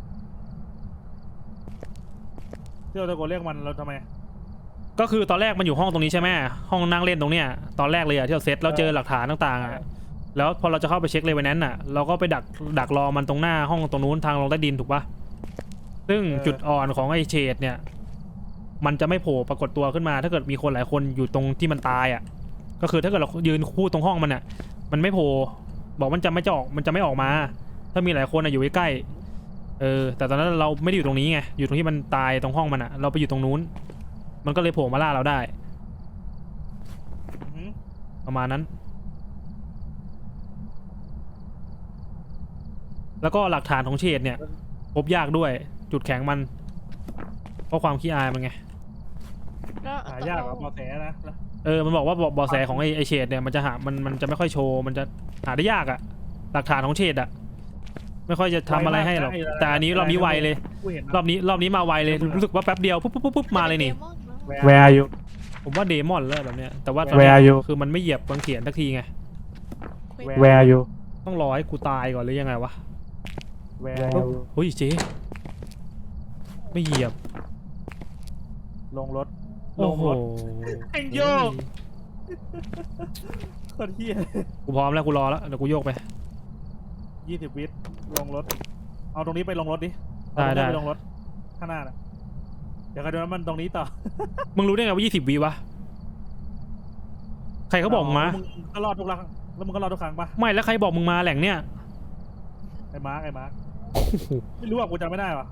[SPEAKER 2] ที่เราตะโกนเรียกมันเราทำไม
[SPEAKER 1] ก็คือตอนแรกมันอยู่ห้องตรงนี้ใช่ไหมห้องนั่งเล่นตรงเนี้ยตอนแรกเลยอะที่เราเซตแล้วเจอหลักฐานต่างๆอะแล้วพอเราจะเข้าไปเช็คเลยวันนั้นน่ะ เราก็ไปดักดักรอมันตรงหน้าห้องตรงนู้นทางลงใต้ดินถูกปะซึ่งจุดอ่อนของไอ้เชดเนี่ย มันจะไม่โผล่ปรากฏตัวขึ้นมา ถ้าเกิดมีคนหลายคนอยู่ตรงที่มันตายอ่ะก็คือถ้าเกิดเรายืนคู่ตรงห้องมันอ่ะมันไม่โผล่บอกมันจะไม่จะออกมันจะไม่ออกมา ถ้ามีหลายคนอะอยู่ใกล้ๆเออแต่ตอนนั้นเราไม่ได้อยู่ตรงนี้ไงอยู่ตรงที่มันตายตรงห้องมันอ่ะเราไปอยู่ตรงนู้นมันก็เลยโผล่มาล่าเราได้
[SPEAKER 2] อือหือ
[SPEAKER 1] ประมาณนั้น แล้วก็หลักฐานของเชดเนี่ยพบยากด้วยจุดแข็งมัน เพราะความขี้อายมันไง
[SPEAKER 3] แล้ว
[SPEAKER 2] หายากกว่าบอแสนะแล้ว
[SPEAKER 1] เออมันบอกว่าเบาะเบาะแสของไอ้ไอเชดเนี่ยมันจะหามันมันจะไม่ค่อยโชว์มันจะหาได้ยากอะหลักฐานของเชดอะไม่ค่อยจะทำอะไรให้หรอกแต่อันนี้รอบนี้ไวเลย
[SPEAKER 2] กูเห็น
[SPEAKER 1] รอบนี้รอบนี้มาไวเลยรู้สึกว่าแป๊บเดียวปุ๊บปุ๊บปุ๊บปุ๊บมาเลยนี่
[SPEAKER 3] ดมอนนะ
[SPEAKER 4] Where are you
[SPEAKER 1] ผมว่าเดมอนแล้วแบบเนี้ยแต่ว่าตอน
[SPEAKER 4] Where
[SPEAKER 1] นี้
[SPEAKER 4] are you
[SPEAKER 1] คือมันไม่เหยียบบางเขียนสักทีไง
[SPEAKER 4] Where are you
[SPEAKER 1] ต้องรอให้กูตายก่อนหรือยังไงวะ
[SPEAKER 2] Where
[SPEAKER 4] Where
[SPEAKER 2] are
[SPEAKER 4] are
[SPEAKER 2] you?
[SPEAKER 4] you
[SPEAKER 1] เฮ้ยเจ๊ไม่เหยียบ
[SPEAKER 2] ลงรถล
[SPEAKER 1] โอ้
[SPEAKER 2] ง
[SPEAKER 1] โห
[SPEAKER 2] รถ แองโย โคตรเฮีย
[SPEAKER 1] กูพร้อมแล้วกูรอแล้วเดี๋ยวกูโยกไป
[SPEAKER 2] ยี่สิบวิลงรถ เอาตรงนี้ไปลงรถดิ
[SPEAKER 1] ได้
[SPEAKER 2] เอาตรงนี้
[SPEAKER 1] ได้
[SPEAKER 2] ไปลงรถข้างหน้าน่ะเดี๋ยวใครดูว่ามันตรงนี้ต่อ
[SPEAKER 1] มึงรู้ได้ไงว่ายี่สิบวิวะใครเขาบอกมึงมา
[SPEAKER 2] มึงก็รอดทุกครั้งแล้วมึงก็รอดทุกครั้งปะ
[SPEAKER 1] ไม่แล้วใครบอกมึงมาแหล่งเนี้ย
[SPEAKER 2] ไอ้มาร์กไอ้มาร์กไม่รู้อ่ะกูจำไม่ได้ว่ะ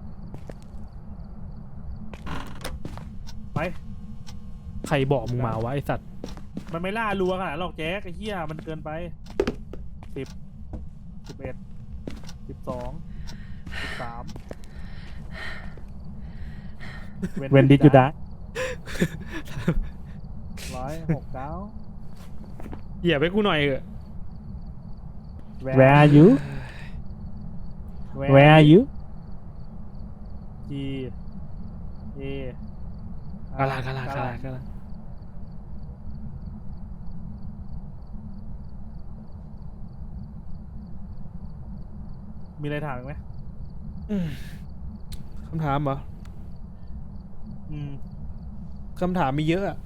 [SPEAKER 2] ไป
[SPEAKER 1] ใครบอกมึงมาวะไอสัตว์
[SPEAKER 2] มันไม่ล่ารัวขนาดหรอกแจ๊กไอ้เหี้ยมันเกินไปสิบสิบเอ็ดสิบสองสิบสาม
[SPEAKER 4] When did you die
[SPEAKER 2] ร้อยหกเก้า
[SPEAKER 1] เหยียบไปกูหน่อยเถอะ
[SPEAKER 4] Where are you Where are you
[SPEAKER 2] G A
[SPEAKER 1] กาลากาลากาลากาลา
[SPEAKER 2] มีอะไรถามอีกไหม
[SPEAKER 1] อืมคำถามเหรอ
[SPEAKER 2] อืม
[SPEAKER 1] คำถามมีเยอะอะ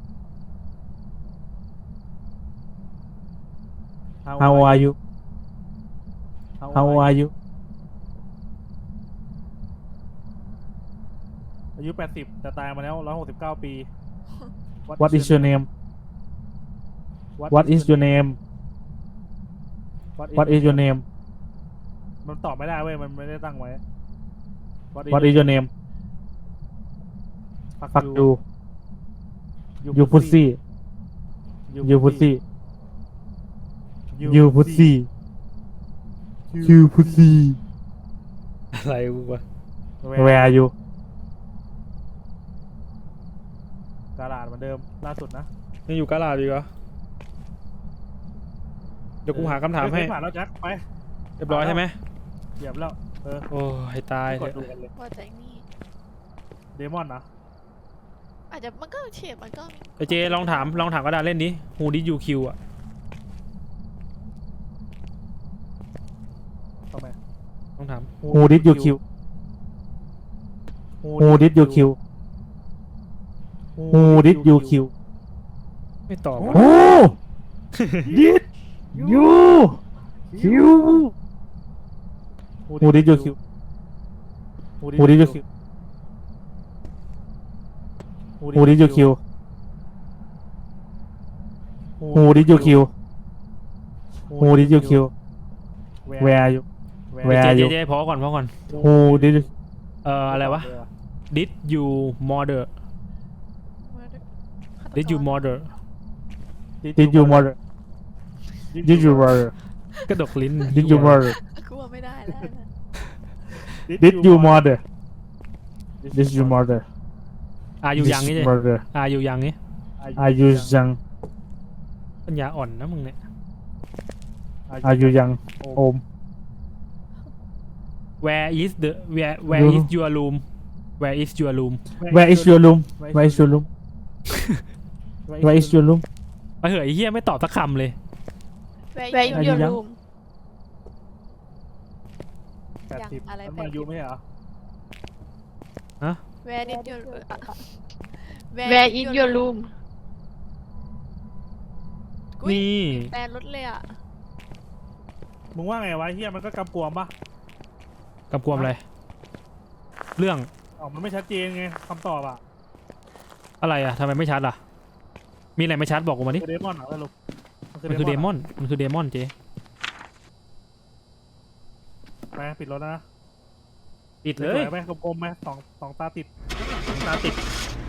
[SPEAKER 4] How old are you How old are you
[SPEAKER 2] อายุแปดสิบแต่ตายมาแล้วร้อยหกสิบเก้าปี
[SPEAKER 4] What is your name What is your name What is your name
[SPEAKER 2] มันตอบไม่ได้เว้ย มันไม่ได้ตั้งไว้
[SPEAKER 4] What is your name fuck you you pussy you pussy you pussy you pussy
[SPEAKER 1] อะไรวะ
[SPEAKER 4] where are you
[SPEAKER 2] กาลาดเหมือนเดิมล่าสุดนะ
[SPEAKER 1] ยังอยู่กาลาดอยู่เหรอเดี๋ยวกูหาคำถามให้
[SPEAKER 2] เฮ้ยผ่านแล้วแจ็คไป
[SPEAKER 1] เรียบร้อยใช่ไหม
[SPEAKER 2] เหยียบแล้วเออ
[SPEAKER 1] โอ้ให้ตาย
[SPEAKER 2] ก
[SPEAKER 1] เถ
[SPEAKER 2] ด
[SPEAKER 1] อะ
[SPEAKER 2] ดูกันเลย
[SPEAKER 3] ว่าแต่นี่
[SPEAKER 2] เดมอนนะ
[SPEAKER 3] อาจจะมันก็เฉียดมันก็
[SPEAKER 1] ไอเจลองถามลองถามกระดาษเล่นดิ Who did you kill อ่ะ
[SPEAKER 2] ทำไม
[SPEAKER 1] ลองถาม
[SPEAKER 4] who did you kill who did you kill who did you kill
[SPEAKER 1] ไม่ตอบ
[SPEAKER 4] who did you kill who did you kill who did you kill who did you kill who did you kill who did you kill where are you
[SPEAKER 1] เจ
[SPEAKER 4] where are
[SPEAKER 1] เจ
[SPEAKER 4] you
[SPEAKER 1] เจพอก่อนพอก่อน
[SPEAKER 4] who did you
[SPEAKER 1] เอ่ออะไรวะ Did you murder Did you murder
[SPEAKER 4] did you murder did you murder
[SPEAKER 1] กระดกลิ้น
[SPEAKER 4] did you murder
[SPEAKER 3] กลัวไม่ได้แล้วนะ
[SPEAKER 4] did you murder did you murder
[SPEAKER 1] อายุยังนี่
[SPEAKER 4] Did
[SPEAKER 1] เจ
[SPEAKER 4] you murder
[SPEAKER 1] อายุยังนี่
[SPEAKER 4] are you young
[SPEAKER 1] ปัญญาอ่อนนะมึงเนี่ย
[SPEAKER 4] are you young โอม
[SPEAKER 1] Where is the Where Where is your room Where is your room
[SPEAKER 4] where is your room where is your room where is your room
[SPEAKER 1] ไปเหอะไอ้เหี้ยไม่ตอบสักคำเลย
[SPEAKER 3] แวร์
[SPEAKER 4] อายุ
[SPEAKER 3] ยู
[SPEAKER 4] ยัง
[SPEAKER 3] รูม
[SPEAKER 2] แปดสิบ
[SPEAKER 3] อะไร
[SPEAKER 2] มัน
[SPEAKER 3] แป
[SPEAKER 2] มา
[SPEAKER 3] ดสิบ
[SPEAKER 2] ยุไม่ใช่เหรอ
[SPEAKER 3] แวร์ดิยู
[SPEAKER 5] Where is your room
[SPEAKER 1] นี่
[SPEAKER 3] แปลรถเลยอ่ะ
[SPEAKER 2] มึงว่าไงวะเฮียมันก็กำกวมปะ
[SPEAKER 1] กำกวมอะไร เรื่อง
[SPEAKER 2] อ๋อมันไม่ชัดเจนไงคำตอบอ่ะ
[SPEAKER 1] อะไรอ่ะทำไมไม่ชัดล่ะ มีอะไรไม่ชัดบอกกูมาดิ
[SPEAKER 2] คือเดมอนเหรอสรุป
[SPEAKER 1] มันคือเดมอน มันคือเดมอนเจ
[SPEAKER 2] ไปปิดรถนะ
[SPEAKER 1] ปิด
[SPEAKER 2] ส
[SPEAKER 1] เล
[SPEAKER 2] วย ยๆไหมกลมๆไหมสองสองตาติด
[SPEAKER 1] ตาติด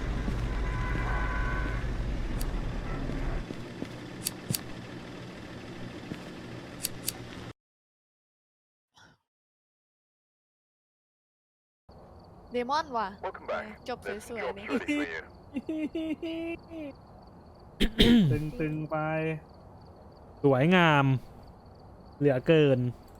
[SPEAKER 3] เดมอนว่ะจบสวยๆนี่
[SPEAKER 2] ตึงๆไป
[SPEAKER 1] สวยงาม เหลือเกิน